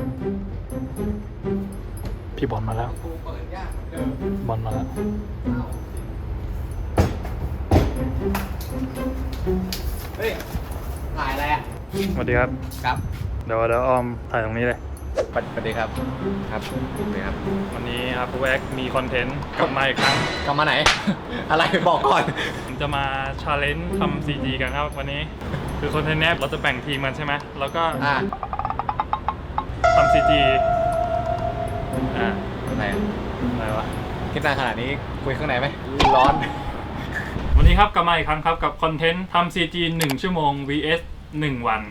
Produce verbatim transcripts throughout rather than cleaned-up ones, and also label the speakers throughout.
Speaker 1: พี่บอลมาแล้วบอลมาแล้ว
Speaker 2: เฮ้ยถ่ายอะไรอ่ะ
Speaker 1: สวัสดีครับ
Speaker 2: ครับ
Speaker 1: เดี๋ยวเดี๋ยวออมถ่ายตรงนี้เลย
Speaker 2: สวัสดีครับครับสวัสดีครับ
Speaker 1: วันนี้ครับแว็กมีคอนเทนต์กลับมาอีกครั้ง
Speaker 2: กลับมาไหน อะไรบอกก่อน
Speaker 1: ผมจะมาชาเลนจ์ทำ ซี จี กันครับวันนี้คือคอนเทนต์นี้เราจะแบ่งทีมกันใช่ไหมแล้วก็ทำ ซี จี อ่า
Speaker 2: อะไร
Speaker 1: อะไรวะ
Speaker 2: คิดนานขนาดนี้คุยข้างในไหมร้อน
Speaker 1: วันนี้ครับกลับมาอีกครั้งครับกับคอนเทนต์ทำ ซี จี หนึ่งชั่วโมง วี เอส หนึ่งวัน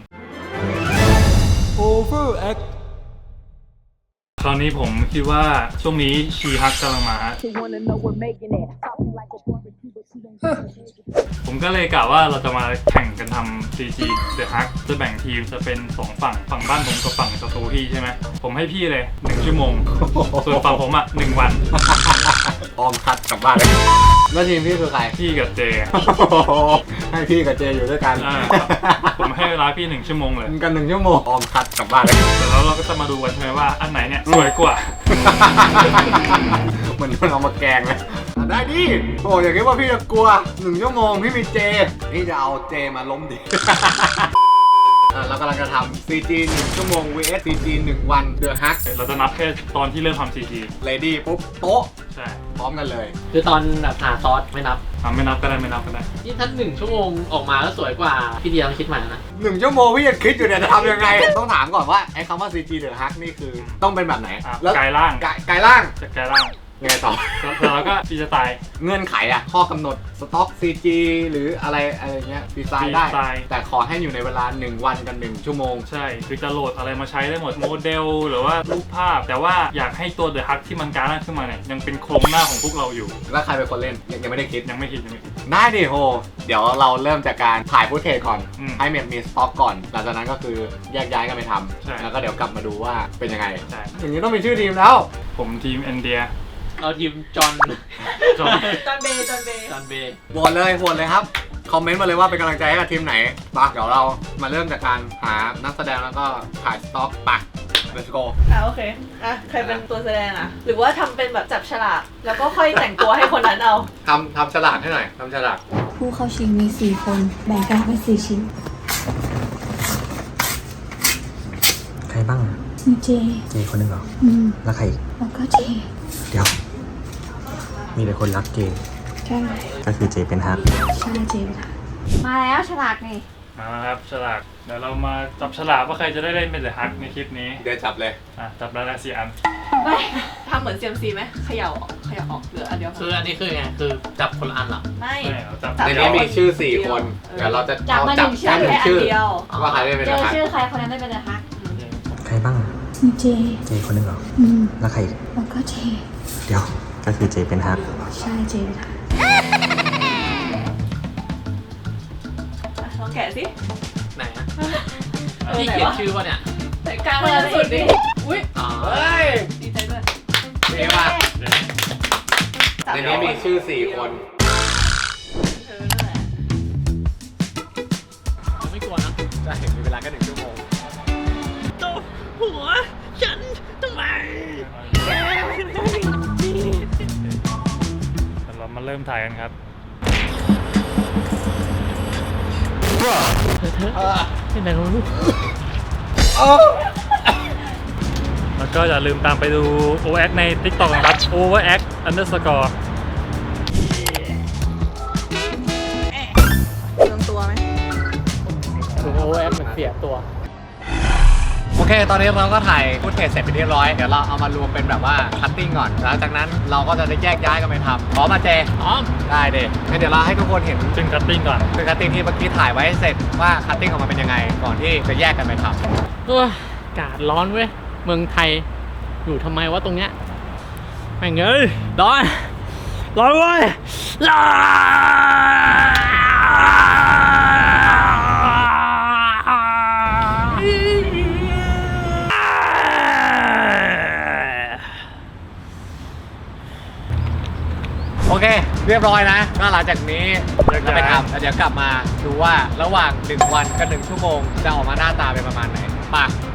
Speaker 2: Overact
Speaker 1: คราวนี้ผมคิดว่าช่วงนี้ชีฮักกำลังมาผมก็เลยกะว่าเราจะมาแข่งกันทำ ซี จี The Hack จะแบ่งทีมจะเป็นสองฝั่งฝั่งบ้านผมกับฝั่งศัตรูพี่ใช่ไหมผมให้พี่เลยหนึ่งชั่วโมงส่วนฝั่งผมอ่ะหนึ่งวัน
Speaker 2: ออมคัดกลับบ้านเลยแล้วทีมพี่คือใคร
Speaker 1: พี่กับเจ
Speaker 2: ให้พี่กับเจอยู่ด้วยกัน
Speaker 1: ผมให้เวลาพี่หนึ่งชั่วโมงเลย
Speaker 2: กันหนึ่งชั่วโมงออมคัดกลับบ้านเลย
Speaker 1: แต่แล้วเราก็จะมาดูกันใช่ไหมว่าอันไหนเนี่ยสวยกว่า
Speaker 2: เหมือนมันเอามาแกงเลยได้ดิโอ้อย่าคิดว่าพี่จะกลัวหนึ่งชั่วโมงพี่มีเจพี่จะเอาเจมาล้มดิเรากำลังจะทำ ซี จี หนึ่งชั่วโมง วี เอส ซี จี หนึ่งวัน The Hack
Speaker 1: เราจะนับแค่ตอนที่เริ่มทำ ซี จี
Speaker 2: Ready ปุ๊บโต๊ะ
Speaker 1: ใช่
Speaker 2: พร้อมกันเลย
Speaker 3: คือตอนแบบหาซอสไม่นับ
Speaker 1: ทำไม่นับก็ได้ไม่นับก็ได้
Speaker 3: นี่ถ้าหนึ่งชั่วโมงออกมาแล้วสวยกว่าพี่เดียต้องคิดใหม่นะ
Speaker 2: หนึ่งชั่วโมงพี่จะคิดอยู่เนี่ยจะทำยังไงต้องถามก่อนว่าไอ้คำว่า ซี จี The Hack นี่คือต้องเป็นแบบไหน
Speaker 1: กายล่าง
Speaker 2: กายล่าง
Speaker 1: จะกายล่าง
Speaker 2: ยังไงต่อ
Speaker 1: แล้วก็ฟีจะตาย
Speaker 2: เงื่อนไขอะข้อกำหนดสต็อก ซี จี หรืออะไรอะไรเงี้ยดีไซน์ได้แต่ขอให้อยู่ในเวลาหนึ่งวันกันหนึ่งชั่วโมง
Speaker 1: ใช่คือจะโหลดอะไรมาใช้ได้หมดโมเดลหรือว่ารูปภาพแต่ว่าอยากให้ตัว The Hack ที่มันการ่างขึ้นมาเนี่ยยังเป็นโครงหน้าของพวกเราอยู่
Speaker 2: แล้วใครเป็นคนเล่นยังไม่ได้คิด
Speaker 1: ยังไม่คิดยังไม่คิด
Speaker 2: ได้ดิโหเดี๋ยวเราเริ่มจากการถ่ายฟุตเทจก่อนให้เมมมีสต็อกก่อนหลังจากนั้นก็คือแยกย้ายกันไปทำแล้วก็เดี๋ยวกลับมาดูว่าเป็นยังไงอย่างนี้ต้องมีชื่อทีมแล้ว
Speaker 1: ผมทีมเอ็นเดีย
Speaker 3: เราทีมจอห์น
Speaker 1: จอห์น
Speaker 4: จอห์นเบย์จอห์นเบย์
Speaker 3: จอห์นเบย์
Speaker 2: โหวตเลยโหวตเลยครับคอมเมนต์มาเลยว่าเป็นกำลังใจให้กับทีมไหนปะเดี๋ยวเรามาเริ่มจากการหานักแสดงแล้วก็ถ่ายสต็อกปะ let's go
Speaker 4: อ่ะโอเคอ่ะใครเป็นตัวแสดงอ่ะหรือว่าทำเป็นแบบจับฉลากแล้วก็ค่อยแต่งตัวให้คนนั้นเอา
Speaker 2: ทำทำฉลากให้หน่อยทำฉลาก
Speaker 5: ผู้เข้าชิงมีสี่คนแบ่งกันเป็นสี่ชิ้น
Speaker 6: ใครบ้าง
Speaker 5: มีเจ
Speaker 6: เจคนหนึ่งเหรอ
Speaker 5: อืม
Speaker 6: แล้วใครอีก
Speaker 5: แล้วก็เจ
Speaker 6: เดี๋ยวมีแต่คนรักเจ
Speaker 5: ใช่
Speaker 6: ก็คือเจเป็นฮัก
Speaker 5: ใช่เจเป็นฮัก
Speaker 4: มาแล้วฉลากนี่
Speaker 1: มาครับฉลากเดี๋ยวเรามาจับฉลากว่าใครจะได้เล่นเป็น The Hack ในคลิปนี้
Speaker 2: เดี๋ยวจับเลย
Speaker 1: อ่ะจับแล้วละสี่อัน
Speaker 4: ไม่ทำเหมือน ซี เอ็ม ซี ไหมเขย่าออกเขย่าออกเหลืออันเดียว
Speaker 3: คืออันนี้คือไงคือจับคนละอันเหรอ
Speaker 4: ไม่
Speaker 1: จับ
Speaker 2: ในนี้มีชื่อสี่คนเดี๋ยวเราจะ
Speaker 4: จับมาหนึ่งชื่อแค่อันเดียว
Speaker 2: ว่าใครได้เป็น
Speaker 4: เจอชื่อใครคนนั้นได้เป็น The Hack
Speaker 6: ใครบ้าง
Speaker 5: มีเจ
Speaker 6: เจคนหนึ่งเหรอ
Speaker 5: อืม
Speaker 6: แล้วใครอีก
Speaker 5: แล้วก็เจ
Speaker 6: เดี๋ยวก็คือเจเป็นฮัก
Speaker 5: ใช่เจเป็นฮัก
Speaker 4: ลองแกะสิ
Speaker 3: ไหนอะพี่เขียนชื่อว่าเนี่ย
Speaker 4: แต่กลางเลยสุดดิอุ้ย
Speaker 2: เฮ้ย
Speaker 4: ดีใจด้วย
Speaker 2: เท่มากในนี้มีชื่อสี่คน
Speaker 4: เธอนั่นแหละ
Speaker 3: ยังไม่กลัวนะ
Speaker 2: จะเห็นมีเวลาแค่หนึ่งชั่วโมง
Speaker 3: ตบหัวฉันทำไม
Speaker 1: เรามาเริ่มถ่ายกันครับ
Speaker 3: เป็นไงลูก
Speaker 1: แล้วก็อย่าลืมตามไปดู โอ แอค ใน TikTok นะครับ Overact underscore
Speaker 4: ลงตัวไหม
Speaker 3: ดูโอแอคเหมือนเสียตัว
Speaker 2: โอเคตอนนี้เราก็ถ่ายฟุตเทจเสร็จไปเรียบร้อยเดี๋ยวเราเอามารวมเป็นแบบว่าคัตติ้งก่อนหลังจากนั้นเราก็จะได้แยกย้ายกันไปทำพร้อมมาเจ
Speaker 3: พร้อม
Speaker 2: ได้เด็งั้นเดี๋ยวเราให้ทุกคนเห็น
Speaker 1: จึงคัตติ้งก่อน
Speaker 2: คือคัตติ้งที่เมื่อกี้ถ่ายไว้เสร็จว่าคัตติ้งออกมาเป็นยังไงก่อนที่จะแยกกันไปทำ
Speaker 3: โอ้ยอากาศร้อนเว้ยเมืองไทยอยู่ทำไมวะตรงเนี้ยแม่งเอ้ยร้อนร้อนเว้ยร้
Speaker 2: โอเคเรียบร้อยนะก็หลังจากนี้เราไปทำแล้วเดี๋ยวกลับมาดูว่าระหว่างหนึ่งวันกับหนึ่งชั่วโมงจะออกมาหน้าตาเป็นประมาณไหนป่ะ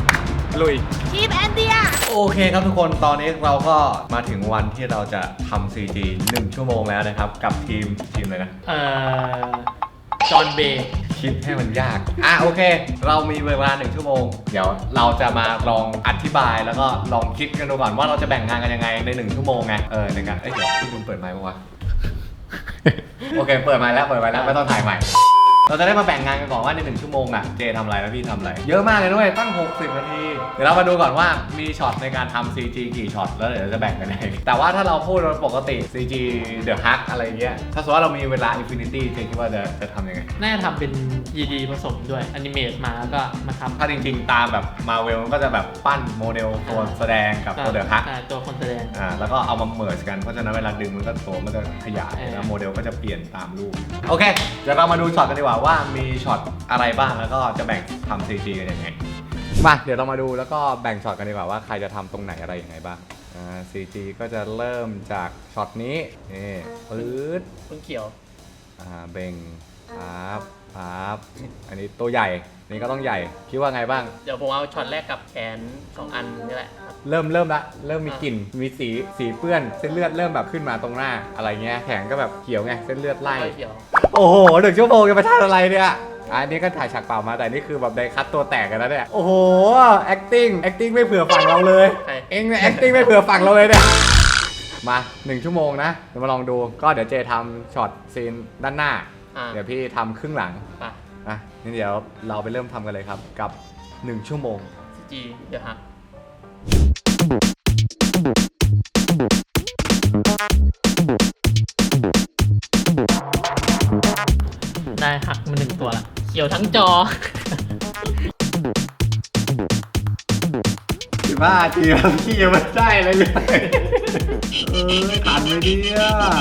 Speaker 2: ลุย
Speaker 4: ทีมแอนเดีย
Speaker 2: โอเคครับทุกคนตอนนี้เราก็มาถึงวันที่เราจะทำ ซี จี หนึ่งชั่วโมงแล้วนะครับ กับทีมทีมเลยนะ
Speaker 3: เอ่อ จอห์นเบย์
Speaker 2: คิดให้มันยาก อ่ะโอเค เรามีเวลาหนึ่งชั่วโมง เดี๋ยวเราจะมาลองอธิบายแล้วก็ลองคิดกันดูก่อนว่าเราจะแบ่งงานกันยังไงในหนึ่งชั่วโมงไง เออในการเอ้ยเดี๋ยวพี่ลุงเปิดไมค์ปะวะ โอเค เปิดไมค์แล้วเปิดไมค์แล้วไม่ต้องถ่ายใหม่ เราจะได้มาแบ่งงานกันก่อนว่าในหนึ่งชั่วโมงอ่ะเจทำอะไรแล้วพี่ทำอะไรเยอะมากเลยด้วยตั้งหกสิบนาทีเดี๋ยวเรามาดูก่อนว่ามีช็อตในการทำ ซี จี กี่ช็อตแล้วเดี๋ยวเราจะแบ่งกันยังไงแต่ว่าถ้าเราพูดปกติ ซี จี The Hug อะไรเงี้ยถ้าสมมติว่าเรามีเวลา Infinity เจคิดว่าจะจะทำยังไง
Speaker 3: น่าจะทำเป็น ยี ดี ผสมด้วยอนิเมตมาแล้วก็มาทำ
Speaker 2: ถ้าจริงๆตามแบบมาเวลก็จะแบบปั้นโมเดลตัวแสดงกับตัว The Hug
Speaker 3: ใช่ตัวคนแสดง
Speaker 2: อ่าแล้วก็เอามาเมิร์จกันเพราะฉะนั้นเวลาดึงมันก็ตัวมันจะขยาย
Speaker 3: เออ
Speaker 2: แล้วโมเดลก็จะเปลี่ยนตามรูปโอเคเดี๋ยวเรามาดูช็อตกันดีกว่าว่ามีช็อตอะไรบ้างแล้วก็จะแบ่งทำ ซี จี กันยังไงมาเดี๋ยวเรามาดูแล้วก็แบ่งช็อตกันดีกว่าว่าใครจะทำตรงไหนอะไรยังไงบ้างอ่า ซี จี ก็จะเริ่มจากช็อตนี้นี่ปื๊ด
Speaker 3: ต้นเขียว
Speaker 2: อ่าเบ่งปั๊บปั๊บอันนี้ตัวใหญ่อันนี้ก็ต้องใหญ่คิดว่าไงบ้าง
Speaker 3: เดี๋ยวผมเอาช็อตแรกกับแขนสองอันนี่แหละ
Speaker 2: เริ่มเริ่มละเริ่มมีกลิ่นมีสีสีเปื้อนเส้นเลือดเริ่มแบบขึ้นมาตรงหน้าอะไรเงี้ยแขนก็แบบเขียวไงเส้นเลือดไล่
Speaker 3: เขียว
Speaker 2: โอ้โหหนึ่งชั่วโมงจะไปทำอะไรเนี่ยอันนี้ก็ถ่ายฉากเปล่ามาแต่นี่คือแบบไดคัตตัวแตกกันแล้วเนี่ยโอ้โห acting acting ไม่เผื่อฝั่งเราเลย
Speaker 3: ใช่
Speaker 2: เองเนี่ย acting ไม่เผื่อฝั่งเราเลยเนี่ยมาหนึ่งชั่วโมงนะเดี๋ยวมาลองดูก็เดี๋ยวเจทำช็อตซีนด้านหน้า
Speaker 3: อ่า
Speaker 2: เดี๋ยวพี่ทำครึ่งหลัง
Speaker 3: ไป
Speaker 2: อ่ะนี่เดี๋ยวเราไปเริ่มทำกันเลยครับกับหนึ่งชั่วโมง
Speaker 3: ซี จี เดี๋ยวฮะได้หักมาหนึ่งตัวละเขียวทั้งจอ
Speaker 2: สิบห้าทีแล้วพี่ยังไม่ได้เลยเลยเออขันเลยเนี่ย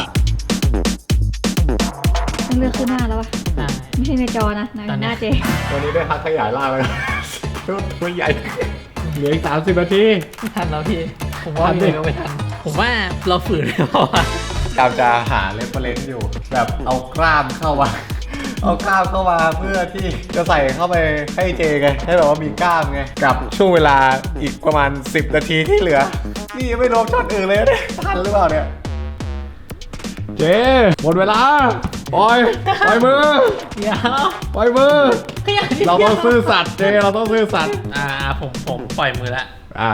Speaker 5: ต้องเลือกขึ้นหน้าแล้ววะ
Speaker 3: ได้
Speaker 5: ไม่ใช่ในจอนะใน
Speaker 3: ตอนนี้
Speaker 5: หน้าเจ
Speaker 2: วันนี้ได้พักขยายล่างเลยตัวใหญ่เหลืออีกสามสิบนาที
Speaker 3: ไม่ทันแล้วพี่ ผมว่าพี่ก็ไม่ทัน ผมว่าเราฝืนไม่พอ
Speaker 2: กำจะหาเรฟเฟรนซ์อยู่ แบบเอากล้ามเข้ามา เอากล้ามเข้ามาเพื่อที่จะใส่เข้าไปให้เจไงให้แบบว่ามีกล้ามไงกับช่วงเวลาอีกประมาณสิบนาทีที่เหลือ นี่ยังไม่รวมช็อตอื่นเลยเนี่ยทันหรือเปล่าเนี่ยเจหมดเวลาปล่อยปล่อยมือ
Speaker 3: เดี๋ยว
Speaker 2: ปล่อยมือ
Speaker 3: ขยัน
Speaker 2: เราต้องซื่อสัตย์เจเราต้องซื่อสัตย์
Speaker 3: อ่าผมผมปล่อยมือละ
Speaker 2: อ่ะ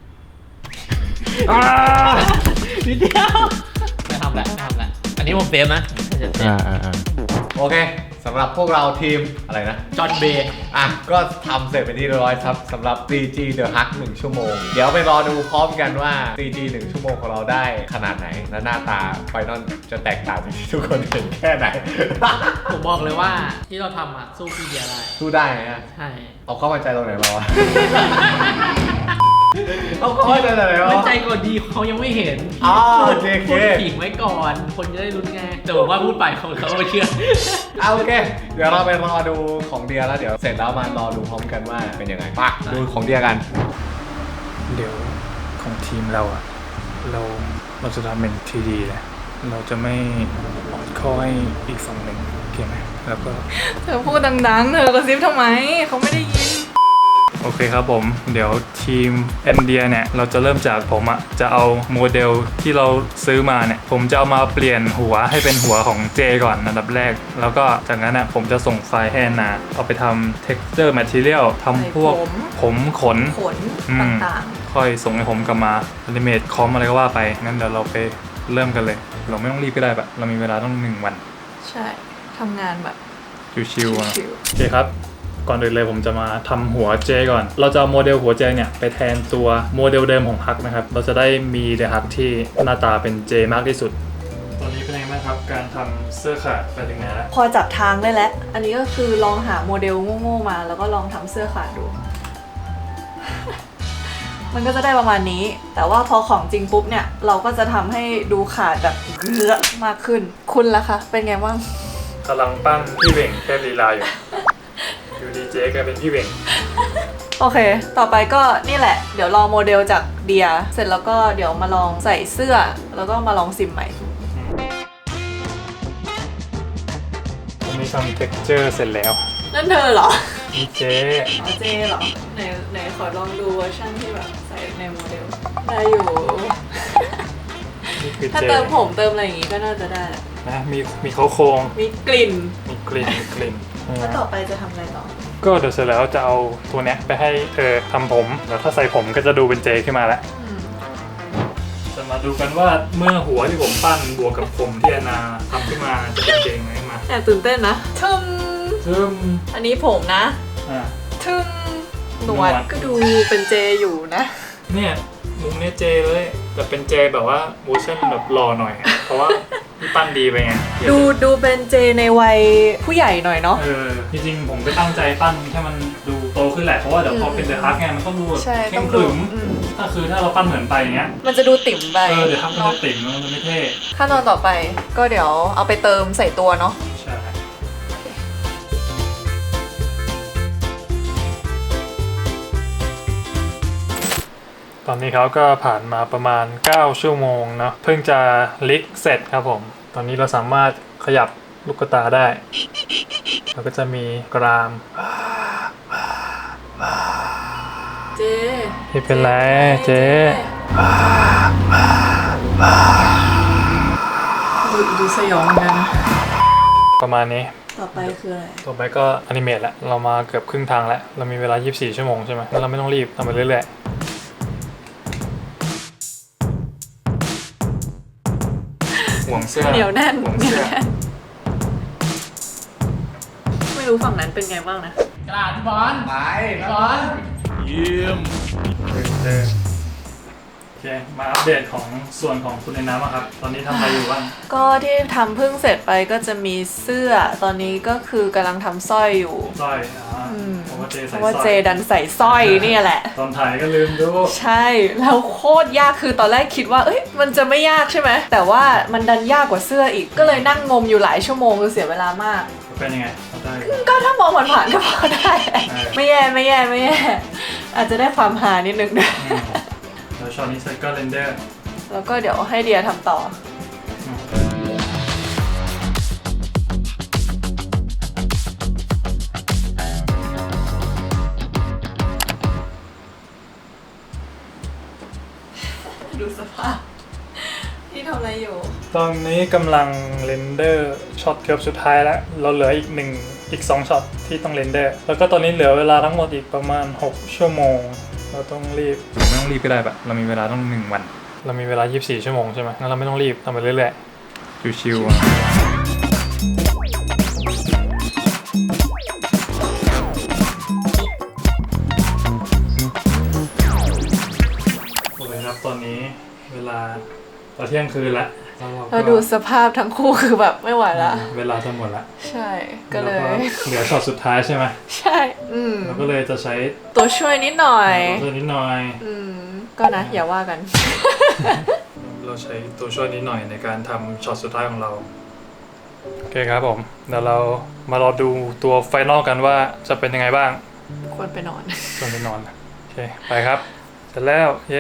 Speaker 2: อ่า
Speaker 3: นิดเดียวไม่ทำละไม่ทำละอันนี้ผมเซฟนะเซฟ
Speaker 2: อ่าอ่าโอเคสำหรับพวกเราทีมอะไรนะ
Speaker 3: จอห์นเบย์
Speaker 2: อ่ะก็ทำเสร็จเป็นที่เรียบร้อยครับสำหรับ ซี จี The Hug หนึ่งชั่วโมง เดี๋ยวไปรอดูพร้อมกันว่า ซี จี หนึ่งชั่วโมงของเราได้ขนาดไหน และหน้าตาไฟนอลจะแตกต่างจากที่ทุกคนเห็นแค่ไหน
Speaker 3: ผมบอกเลยว่าที่เราทำอ่ะสู้พี่เดียได้
Speaker 2: สู้ได้ไหมอะ
Speaker 3: ใช่
Speaker 2: เอาเข้ามาใจตรงไหนมาวะ เอาเข้ามาใจตรงไหนมา
Speaker 3: ไม่
Speaker 2: วะ
Speaker 3: ใจก่อนดีเขายังไม่เห็น
Speaker 2: อ๋อ
Speaker 3: พูด
Speaker 2: โอเคโอเค
Speaker 3: พูดผิงไว้ก่อน คนจะได้รู้ไงแต่ผมว่าพูดไปเขาเขาไม่เชื่อ
Speaker 2: เอาโอเค เดี๋ยวเราไปรอดูของเดียแล้วเดี๋ยวเสร็จแล้วมารอดูพร้อมกันว่าเป็นยังไงไปดูของเดียกัน
Speaker 1: เดี๋ยวของทีมเราอะเราเราจะทำเป็นทีดีเลยเราจะไม่ออดข้อให้อีกฝั่งหนึ่งโอเคไหมแล้วก็
Speaker 4: เธอพูดดังๆ เธอกระซิบทำไม เขาไม่ได้ยิน
Speaker 1: โอเคครับผมเดี๋ยวทีมแอนเดียเนี่ยเราจะเริ่มจากผมอะจะเอาโมเดลที่เราซื้อมาเนี่ยผมจะเอามาเปลี่ยนหัวให้เป็นหัวของเจก่อนอันดับแรก แล้วก็จากนั้นอะผมจะส่งไฟล์ให้แอนนาเอาไปทำ texture material ทำพวก
Speaker 4: ใส่ผม
Speaker 1: ผมขน
Speaker 4: ขน
Speaker 1: อืม
Speaker 4: ต่าง
Speaker 1: ค่อยส่งให้ผมกลับมาอนิเมตคอมอะไรก็ว่าไปงั้นเดี๋ยวเราไปเริ่มกันเลย เราไม่ต้องรีบก็ได้ปะเรามีเวลาต้องหนึ่งวัน
Speaker 4: ๆ ใช่ทำงานแบบ
Speaker 1: ชิวๆอะ
Speaker 4: ชิว
Speaker 1: โอเคครับ ก่อนอื่นเลยผมจะมาทำหัวเจก่อน เราจะเอาโมเดลหัวเจเนี่ยไปแทนตัวโมเดลเดิมของฮักนะครับ เราจะได้มีเดฮักที่หน้าตาเป็นเจมากที่สุด ตอนนี้เป็นยังไงบ้างครับการทำเสื้อขาดไปถึงไหนแล้ว
Speaker 4: พอจับทางได้แล้ว อันนี้ก็คือลองหาโมเดลโง่ๆมา แล้วก็ลองทำเสื้อขาดดู มันก็จะได้ประมาณนี้ แต่ว่าพอของจริงปุ๊บเนี่ย เราก็จะทำให้ดูขาดแบบเกลือมากขึ้น คุณล่ะคะ เป็นไงบ้าง
Speaker 1: กำลังปั้นพี่เวงเทพลีลาอยู่ อยู่ดีเจกลายเป็นพี่เวง
Speaker 4: โอเค ต่อไปก็นี่แหละ เดี๋ยวลองโมเดลจากเดีย เสร็จแล้วก็เดี๋ยวมาลองใส่เสื้อ แล้วก็มาลองซิมใหม่
Speaker 1: ผมมีทำ texture เสร็จแล้ว
Speaker 4: นั่นเธอเหรอ
Speaker 1: มีเจ
Speaker 4: อ๋อเจเหรอไหนไหนขอลองดูเวอร์ชันที่แบบใส่ในโมเดลได้อยู่
Speaker 1: นี่คือ
Speaker 4: ถ้า
Speaker 1: เจ
Speaker 4: เติมผมเติมอะไรอย่างงี้ก็น่าจะได้แหละ
Speaker 1: นะมีมีเขาโครง
Speaker 4: มีกลิ่น
Speaker 1: มีกลิ่นมีกลิ่น
Speaker 4: แล้วต่อไปจะทำอะไรต่อ
Speaker 1: ก็เดี๋ยวเสร็จแล้วจะเอาตัวเนี้ยไปให้เธอทำผมแล้วถ้าใส่ผมก็จะดูเป็นเจขึ้นมาแล้ว
Speaker 4: อืม
Speaker 1: จะมาดูกันว่าเมื่อหัวที่ผมปั้นบวกกับผมที่อนาทำขึ้นมาจะเป็นเจไหมมา
Speaker 4: แอบตื่นเต้นนะทึม
Speaker 1: ซึ่ง
Speaker 4: อันนี้ผมนะ
Speaker 1: อ่า
Speaker 4: ทึมหนวด
Speaker 1: หนวด
Speaker 4: ก็ดูเป็นเจอยู่นะ
Speaker 1: เนี่ยมุมเนี้ยเจเลยแต่เป็นเจแบบว่าเวอร์ชันแบบหล่อหน่อย เพราะว่าพี่ปั้นดีไปไง
Speaker 4: ดูดูเป็นเจในวัยผู้ใหญ่หน่อยเนาะ
Speaker 1: เออจริงๆผมก็ตั้งใจปั้นให้มันดูโตขึ้นแหละเพราะว่าเดี๋ยวพอเป็นเดอะฮักไงมันต้องดูแบบ
Speaker 4: ใช่
Speaker 1: เข้
Speaker 4: ต้อ
Speaker 1: ม
Speaker 4: ง
Speaker 1: ข
Speaker 4: ดู
Speaker 1: รึม
Speaker 4: อืม
Speaker 1: ถ้าคือถ้าเราปั้นเหมือนไปอย่างเงี้ย
Speaker 4: มันจะดูติ่มไป
Speaker 1: เออเดี๋ยวฮักมันจะติ่มแล้วมันจะไม่เท่
Speaker 4: ขั้นตอนต่อไปก็เดี๋ยวเอาไปเติมใส่ตัวเนาะ
Speaker 1: ใช่ตอนนี้เขาก็ผ่านมาประมาณเก้าชั่วโมงเนาะเพิ่งจะลิกเสร็จครับผมตอนนี้เราสามารถขยับลูกตาได้แล้วก็จะมีกราม
Speaker 4: เจ
Speaker 1: ไม่เป็นไรเจ๊
Speaker 4: ดูดูสยองเหมือนกันนะ
Speaker 1: ประมาณนี้
Speaker 4: ต่อไปคืออะไร
Speaker 1: ต่อไปก็อนิเมตแล้วเรามาเกือบครึ่งทางแล้วเรามีเวลายี่สิบสี่ชั่วโมงใช่ไหมแล้วเราไม่ต้องรีบทำไปเรื่อยๆห่วงเสื้อ
Speaker 4: เหนียวแน่น
Speaker 1: ห่วง
Speaker 4: เหนียว
Speaker 1: เสื้อ
Speaker 4: แน่นไม่รู้ฝั่งนั้นเป็นไงบ้างนะ
Speaker 3: กระดาษพี่บอล
Speaker 2: ไป
Speaker 3: พี่บอล
Speaker 1: เออโอเคมาอัปเดตของส่วนของคุณในน้ำอะครับ ตอนนี้ทำอะไรอยู่บ้าง
Speaker 4: ก็ที่ทำเพิ่งเสร็จไปก็จะมีเสื้อ ตอนนี้ก็คือกำลังทำสร้อยอยู่
Speaker 1: สร้อยอ่า
Speaker 4: อืม
Speaker 1: เพราะว่าเจ
Speaker 4: เพ
Speaker 1: ใส่
Speaker 4: ราะว่า
Speaker 1: สร้
Speaker 4: เจ
Speaker 1: อย
Speaker 4: ดันใส่สร้อยเนี่ยแหละ
Speaker 1: ตอนถ่ายก็ลืมดู
Speaker 4: ใช่แล้วโคตรยากคือตอนแรกคิดว่าเอ้ยมันจะไม่ยากใช่ไหมแต่ว่ามันดันยากกว่าเสื้ออีกก็เลยนั่งงมอยู่หลายชั่วโมงคือเสียเวลามาก
Speaker 1: เป็นยังไงเข้าได้
Speaker 4: ก็ถ้ามองผ่านๆก็พอได้แหละ
Speaker 1: เออ
Speaker 4: ไม่แย่ไม่แย่ไม่แย่อาจจะได้ความหานิดนึงด้วย
Speaker 1: อืมแล้วช็อตนี้เสร็จก็เรนเดอร์
Speaker 4: แล้วก็เดี๋ยวให้เดียทำต่อ ดูสภาพที่ทำอะไรอยู่
Speaker 1: ตอนนี้กำลังเรนเดอร์ช็อตเกือบสุดท้ายแล้ว เราเหลืออีกหนึ่งอีกสองช็อตที่ต้องเรนเดอร์ แล้วก็ตอนนี้เหลือเวลาทั้งหมดอีกประมาณหกชั่วโมง เราต้องรีบไม่ต้องรีบก็ได้ปะเรามีเวลาต้องหนึ่งวัน เรามีเวลายี่สิบสี่ชั่วโมงใช่ไหมงั้นเราไม่ต้องรีบทำไปเรื่อยๆชิวๆอะโอเคครับตอนนี้เวลาตอนเที่ยงคืนละแล้วเราก็
Speaker 4: เราดูสภาพทั้งคู่คือแบบไม่ไหวละ
Speaker 1: เวลาจะหมดละ
Speaker 4: ใช่ก็เลย
Speaker 1: แวเหลือช็อตสุดท้ายใช่ไหม
Speaker 4: ใช่ อืม
Speaker 1: เราก็เลยจะใช้
Speaker 4: ตัวช่วยนิดหน่อย
Speaker 1: ตัวช่วยนิดหน่อย
Speaker 4: อืม ก็นะ อย่าว่ากัน
Speaker 1: เราใช้ตัวช่วยนิดหน่อยในการทำช็อตสุดท้ายของเรา โอเคครับผม เดี๋ยวเรามารอดูตัวไฟนอลกันว่าจะเป็นยังไงบ้าง
Speaker 4: ควรไปนอน
Speaker 1: ควรไปนอน โอเค ไปครับ เสร็จแล้ว เย้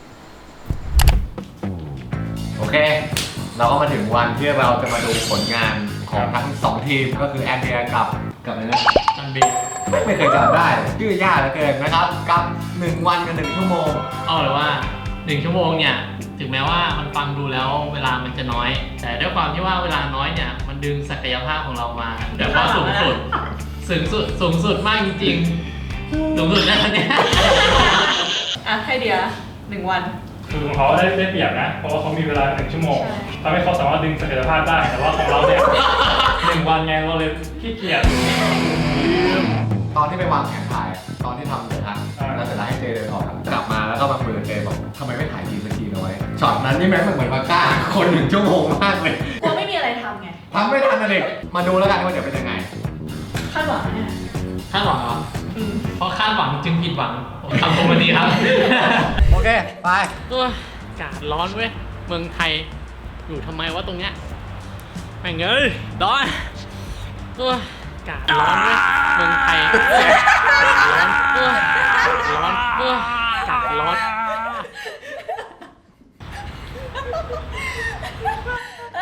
Speaker 2: โอเค เราก็มาถึงวันที่เราจะมาดูผลงานของทั้งสองทีมก็คือแอนเดียกับกับอะไรนะ
Speaker 3: อันบี
Speaker 2: ไม่ไม่เคยจำได้ชื่อยากเหลือเกินนะครับ กับหนึ่งวันกับหนึ่งชั่วโมง
Speaker 3: เอาเลยว่าหนึ่งชั่วโมงเนี่ยถึงแม้ว่ามันฟังดูแล้วเวลามันจะน้อย แต่ด้วยความที่ว่าเวลาน้อยเนี่ยมันดึงศักยภาพของเรามาแต่ว่าสูงสุดสูงสุดสูงสุดมากจริงๆสูงสุดนะเนี่ย
Speaker 4: อ่ะ ให้เดียหนึ่งวัน
Speaker 1: คือของเขาได้ได้เปรียบนะ เพราะว่าเขามีเวลาหนึ่งชั่วโมง
Speaker 4: ใช่
Speaker 1: ทำให้เขาสามารถดึงศักยภาพได้ แต่ว่าของเราเนี่ย หนึ่งวันไงเราเลยขี้เกียจ
Speaker 2: ตอนที่ไปวางแผนถ่าย ตอนที่ทำเสร็จแล้ว
Speaker 1: อ่า
Speaker 2: แล้วเสร็จแล้วให้เจเดินออกกลับมาแล้วก็มาคุยกับเจบอกทำไมไม่ถ่ายทีสักทีน้อยช็อตนั้นนี่แม่งเหมือนมาฆ่าคนหนึ่งชั่วโมงมากเลย
Speaker 4: กลัวไม่มีอะไรทำไง
Speaker 2: ทำไม่ทันนะเด็กมาดูแล้วกันว่าจะเป็นยังไง
Speaker 4: คาดหวังเนี่ย
Speaker 3: คาดหวังเหรอ
Speaker 4: อืม
Speaker 3: เพราะคาดหวังจึงผิดหวังคำคมวันนี้ครับ
Speaker 2: โอเค ไป
Speaker 3: โอ้ยอากาศร้อนเว้ย เมืองไทย อยู่ทำไมวะตรงเนี้ยแม่งเอ้ยร้อนโอ้ยอากาศร้อนเว้ย เมืองไทยอากาศร้อนโอ้ยอากาศร้อนโอ้ยอากาศร้อน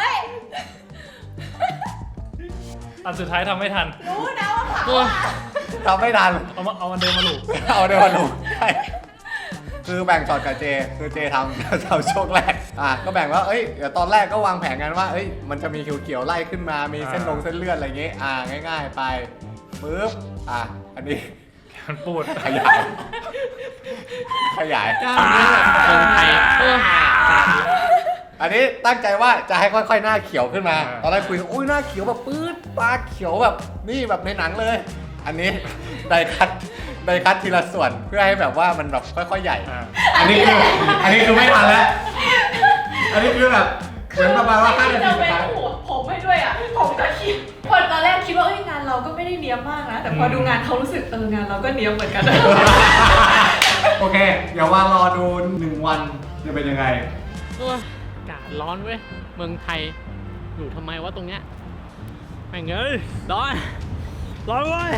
Speaker 1: อันสุดท้ายทำไม่ทัน
Speaker 4: รู้นะว่าผัก
Speaker 3: โอ้ย
Speaker 2: ทำไม่ทัน
Speaker 1: เอามาเอามันเดินมาหลูก
Speaker 2: เอาเดี๋ยวมาดูใช่คือแบ่งช็อตกับเจ คือเจทำ ทำช่วงแรก อ่ะก็แบ่งว่า เอ้ย เดี๋ยวตอนแรกก็วางแผนกันว่า เอ้ย มันจะมีเขียวๆไล่ขึ้นมา มีเส้นลงเส้นเลือดอะไรอย่างเงี้ย อ่า ง่ายๆ ไปปึ๊บ อ่ะ อันนี้
Speaker 1: มันปูด
Speaker 2: ขยาย ขยาย
Speaker 3: เมืองไทยเออ
Speaker 2: อันนี้ตั้งใจว่าจะให้ค่อยๆหน้าเขียวขึ้นมา ตอนแรกคุยอุ้ยหน้าเขียวแบบปื๊ดตาเขียวแบบนี่แบบในหนังเลย อันนี้ไดคัตไดคัตทีละส่วนเพื่อให้แบบว่ามันแบบค่อยๆใหญ่
Speaker 1: อ่า
Speaker 2: อันนี้คืออันนี้คือไม่ทันแล้ว อันนี้คือแบบเหมือนประมาณว่าห้านาที
Speaker 4: จะ
Speaker 2: สุด
Speaker 4: เป็น
Speaker 2: ท้าย
Speaker 4: หัวผมให้ด้วยอ่ะ ผมก็คิดพอตอนแรกคิดว่าเอ้ยงานเราก็ไม่ได้เนี้ยบมากนะ แต่พอดูงานเขารู้สึกเอองานเราก็เนี้ยบเหมือนกัน
Speaker 2: โอเค เดี๋ยวว่ารอดูหนึ่งวันจะเป็นยังไง
Speaker 3: โอ้ยอากาศร้อนเว้ย เมืองไทย อยู่ทำไมวะตรงเนี้ยแม่งเอ้ยร้อน ร้อนเว้ย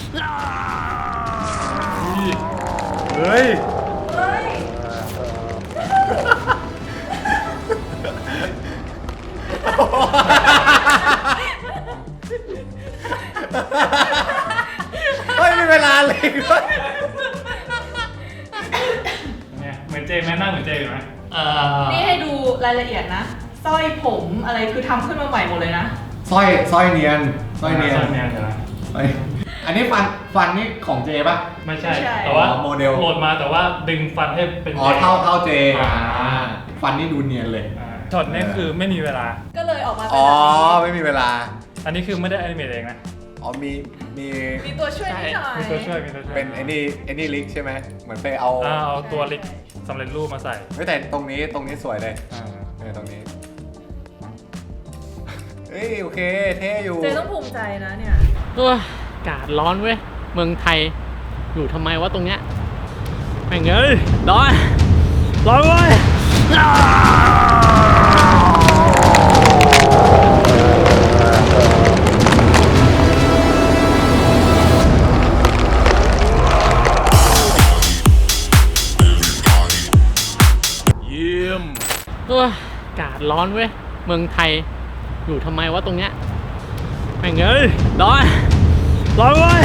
Speaker 2: เฮ้ย
Speaker 4: เฮ้ย
Speaker 2: เฮ้ยมีเวลาเลยด้วย
Speaker 1: เนี่ยเหมือนเจไหมหน้าเหมือนเจอยู่ไหม
Speaker 3: เอ่อ
Speaker 4: นี่ให้ดูรายละเอียดนะ สร้อยผมอะไรคือทำขึ้นมาใหม่หมดเลยนะ
Speaker 2: สร้อยสร้อยเนียนสร้อยเนียน
Speaker 1: สร้อยเนียนใช่ไหม
Speaker 2: เฮ้ยอันนี้ฟันฟันนี่ของเจป่ะ
Speaker 1: ไม่ใช่
Speaker 4: ไม่ใช่
Speaker 1: แต่ว่า
Speaker 2: อ๋อโมเดล
Speaker 1: โหลดมาแต่ว่าดึงฟันให้เป็น
Speaker 2: อ๋อเท่าเท่าเจ
Speaker 1: อ่า
Speaker 2: อ่าฟันนี่ดูเนียนเลย
Speaker 1: อ่าช็อตนี้คือไม่มีเวลา
Speaker 4: ก็เลยออกมาเป็น
Speaker 2: อ๋อ
Speaker 4: แบบนี้
Speaker 2: ไม่มีเวลา
Speaker 1: อันนี้คือไม่ได้แอนิเมตเองนะ
Speaker 2: อ๋อมีมี
Speaker 4: มีตัวช่วยนิดหน่อย
Speaker 1: มีตัวช่วยมีตัวช่วย
Speaker 2: เป็นไอ้นี่ไอ้นี่ลิกใช่ไหมเหมือนไปเอา
Speaker 1: อ่าเอาตัวเล็กสำเร็จรูปมาใส่
Speaker 2: ไม่แต่ตรงนี้ตรงนี้สวยเลย
Speaker 1: อ่า
Speaker 2: เออตรงนี้เฮ้ยโอเคเท่อยู่
Speaker 4: เจต้องภูมิใจนะเนี่ย
Speaker 3: โอ้ยอากาศร้อนเว้ย เมืองไทย อยู่ทำไมวะตรงเนี้ยแม่งเอ้ยร้อน ร้อนเว้ย โอ้ยอากาศร้อนเว้ย เมืองไทย อยู่ทำไมวะตรงเนี้ยแม่งเอ้ยร้อน ร้อนเว้ย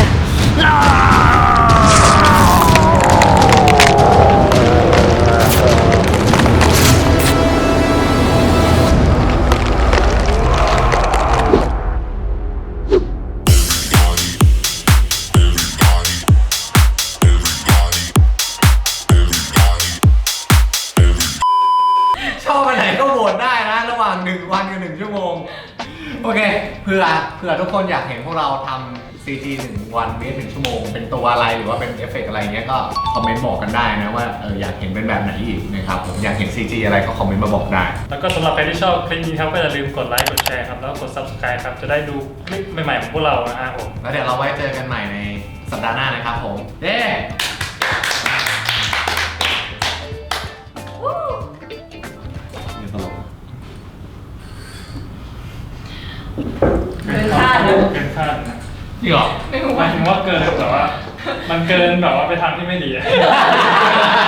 Speaker 2: ชอบอันไหนก็โหวตได้นะระหว่างหนึ่งวันกับหนึ่งชั่วโมงโอเคเผื่อเผื่อทุกคนอยากเห็นพวกเราทำ ซี จี หนึ่งวันเมตรหนึ่งชั่วโมงเป็นตัวอะไรหรือว่าเป็นเอฟเฟกต์อะไรเงี้ยก็คอมเมนต์บอกกันได้นะว่าเอออยากเห็นเป็นแบบไหนอีกนะครับผมอยากเห็น ซี จี อะไรก็คอมเมนต์มาบอกได้
Speaker 1: แล้วก็สำหรับใครที่ชอบคลิปนี้ครับก็อย่าลืมกดไลค์กดแชร์ครับแล้วก็กด subscribe ครับจะได้ดูคลิปใหม่ๆของพวกเรานะครับผม
Speaker 2: แล้วเดี๋ยวเราไว้เจอกันใหม่ในสัปดาห์หน้านะครับผมเย้
Speaker 4: เกินคาดเลย
Speaker 1: เกินคาดนะ
Speaker 3: จริงเหรอ
Speaker 4: ไม่รู้
Speaker 1: หมา
Speaker 4: ว่า
Speaker 1: ยถึงว่าเกินแต่ว่า มันเกินแบบว่าไปทางที่ไม่ดีอะ